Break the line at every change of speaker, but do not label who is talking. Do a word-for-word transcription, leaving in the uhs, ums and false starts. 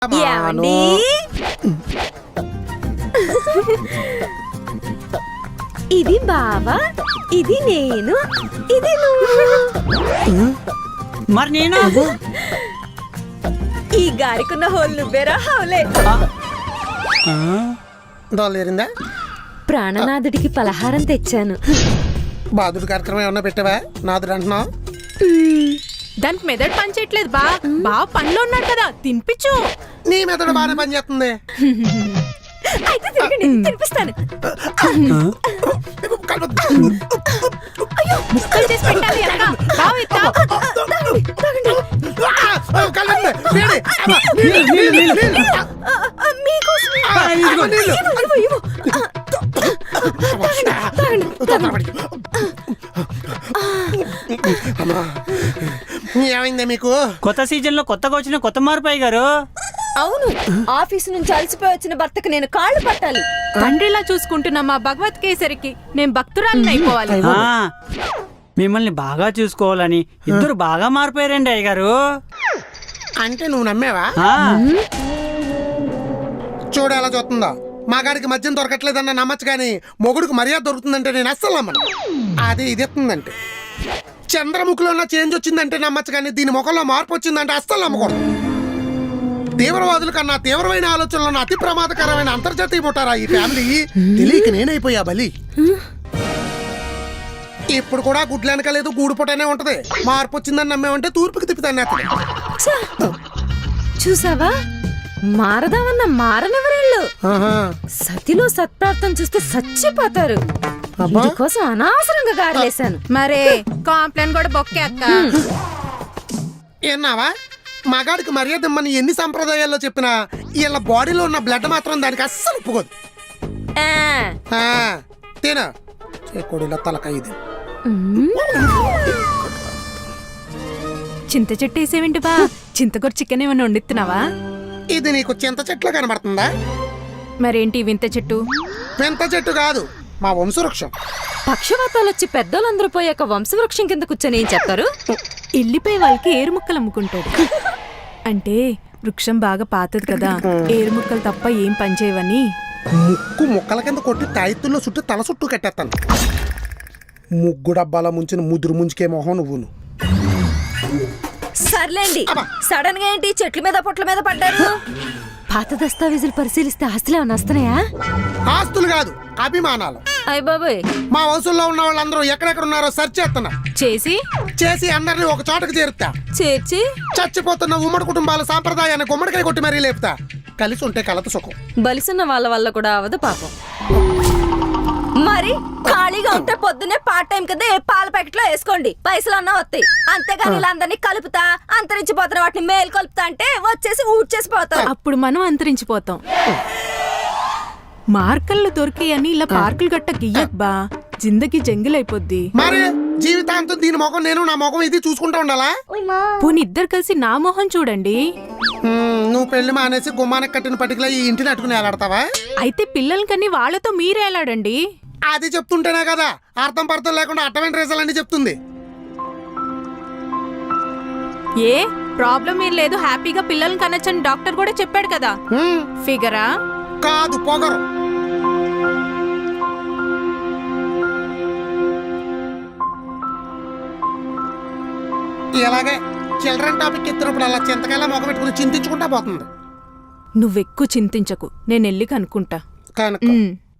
ఏమండి? ఇది బావా, ఇది నేను, ఇది నువ్వు.
మరి నేను
ఈ గారికున్న హోల్ నువ్వేరా హౌలే.
దోలేరిందా?
ప్రాణనాథుడికి పలహారం తెచ్చాను.
బాధుడు కార్యక్రమం ఏమన్నా పెట్టావా? నాదుడు అంటున్నావు.
దానికి మెదడు పని చేయట్లేదు బా బావ పనిలో ఉన్నాడు కదా, తినిపించు.
నీ మెదడు బాగానే పని చేస్తుంది.
అయితే తిరగండి, తినిపిస్తాను.
అయ్యో ముక్కలు చేసి పెట్టాలి ఎలాగా? బావ ఇత్తా.
ఏమైందే మీకు?
కొత్త సీజన్ లో కొత్తగా వచ్చిన కొత్త మార్పు గారు.
అవును, ఆఫీసు నుంచి అలసిపోయి వచ్చిన భర్తకు నేను కాళ్ళు పట్టాలి.
తండ్రిలా చూసుకుంటున్న మా భగవత్ కేసరికి నేను భక్తురాలని అయిపోవాలి.
ఆ, మిమ్మల్ని బాగా చూసుకోవాలని ఇద్దరు బాగా మారిపోయారండి అయ్య గారు.
అంటే నువ్వు నమ్మేవా?
ఆ,
చూడు ఎలా చూస్తుందో. మగాడికి మద్యం దొరకట్లేదన్న నమ్మచ్చు కానీ మొగుడికి మర్యాద దొరుకుతుందంటే నేను అస్సలు నమ్మను. అది ఇది ఎత్తుందంటే చంద్రముఖిలో ఉన్న చేంజ్ వచ్చిందంటే నమ్మచ్చు కానీ దీని ముఖంలో మార్పు వచ్చిందంటే అస్సలు నమ్మకూడదు. తీవ్రవాదుల కన్నా తీవ్రమైన ఆలోచనలు అతి ప్రమాదకరమైన అంతర్జాతీయ పుట్టారా ఈ ఫ్యామిలీ. తెలియక నేనైపోయా బలి. ఇప్పుడు కూడా గుడ్లు వెనకలేదు, గూడు పుట్టనే ఉంటది. మార్పు వచ్చిందని నమ్మేమంటే తూర్పుకి తిప్పుతాను.
చూసావా, మారదామన్న మారనెవరేళ్ళు. సతిలో సత్ప్రాప్తం చూస్తే చచ్చిపోతారు. కోసం అనవసరంగా గారేసాను.
మరే కాంప్లైంట్ కూడా బొక్కే అక్క.
ఏన్నావా? మగాడికి మర్యాద ఇమ్మని ఎన్ని సంప్రదాయాల్లో చెప్పినా వీళ్ళ బాడీలో ఉన్న బ్లడ్ మాత్రం దానికి అస్సలు ఒప్పుకోదు. తేనా కొడిలో తలకాయ ఇది.
చింత చెట్టు వేసేవింటి బా, చింతకూర చికెన్ ఏమన్నా వండిస్తున్నావా?
ఇది నీకు చింత చెట్లు కనబడుతుందా?
మరేంటి వింత చెట్టు?
వింత చెట్టు కాదు, మా వంశవృక్షం.
పక్షవాతాలు వచ్చి పెద్దోళ్ళందరూ పోయాక వంశవృక్షం కింద కూర్చొని ఏం చెప్తారు?
ఎల్లిపోయి వాళ్ళకి ఏరు ముక్కలు అమ్ముకుంటాడు. అంటే వృక్షం బాగా పాతది కదా, ఏరు ముక్కలు తప్ప ఏం పనిచేయవని.
ముక్కు ముక్కల కింద కొట్టి తాయిత్తుల్లో చుట్టూ తల చుట్టూ కట్టేస్తాను. ముగ్గు డబ్బాల ముంచిన ముదురు ముంచుకే మొహం నువ్వును.
సర్లేండి, సడన్ గా ఏంటి చెట్ల మీద పొట్ల మీద పడ్డారు? పాత దస్తావేజులు పరిశీలిస్తే ఆస్తులు ఏమన్నా వస్తున్నాయా?
ఆస్తులు కాదు, అభిమానాలు.
అయ్య బాబోయ్,
మా వంశంలో ఉన్న వాళ్ళందరూ ఎక్కడెక్కడ ఉన్నారో సెర్చ్ చేస్తున్నా.
చేసి
చేసి అందరినీ ఒక చోటకు చేరుతా.
చేర్చి
చచ్చిపోతున్న ఉమ్మడి కుటుంబాల సాంప్రదాయాన్ని గుమ్మడికాయ కొట్టి మరీ లేపుతా. కలిసి ఉంటే కలత సుఖం.
బలిసున్న వాళ్ళ వల్ల కూడా అవదు పాపం. మరి ఖాళీగా ఉంటే పొద్దున్నే పార్ట్ టైం కింద ఏ పాల ప్యాకెట్ లో వేసుకోండి, పైసలు అన్నా వస్తాయి. అంతేగాని ఇలా అందరినీ కలుపుతా అంతరించిపోతున్న వాటిని మేలు కలుపుతా అంటే వచ్చేసి ఊడ్చేసి పోతాం.
అప్పుడు మనం అంతరించిపోతాం. మార్కల్లో దొరికాయని ఇలా పార్కులు గట్ట గియ్యక్ బా, జిందగీ జంగిలైపోద్ది.
మరి జీవితాంతం దీని ముఖం నేను నా ముఖం ఇది చూసుకుంటా ఉండాలా?
పోనీ ఇద్దరు కలిసి నా మొహం చూడండి.
నువ్వు పెళ్లి మానేసి గుమ్మానికి కట్టిన పట్టికలా ఈ ఇంటిని అట్టుకుని ఎలాడతావా?
అయితే పిల్లలకని వాళ్ళతో మీరే ఎలాడండి?
అది చెప్తుంటేనే కదా అర్థం పర్థం లేకుండా అట్టమైన రేసాలు అన్ని చెప్తుంది.
ఏ ప్రాబ్లం ఏం లేదు, హ్యాపీగా పిల్లల్ని కనొచ్చని డాక్టర్ కూడా చెప్పాడు కదా. ఫిగరా
కాదు, పొగరు. ఇలాగే చిల్డ్రన్ టాపిక్ ఎత్తినప్పుడు అలా చింతకాయలా మొగ పెట్టుకుని చింతించుకుంటా పోతుంది.
నువ్వెక్కువ చింతించకు, నేను వెళ్ళి కనుక్కుంటా.
కనుక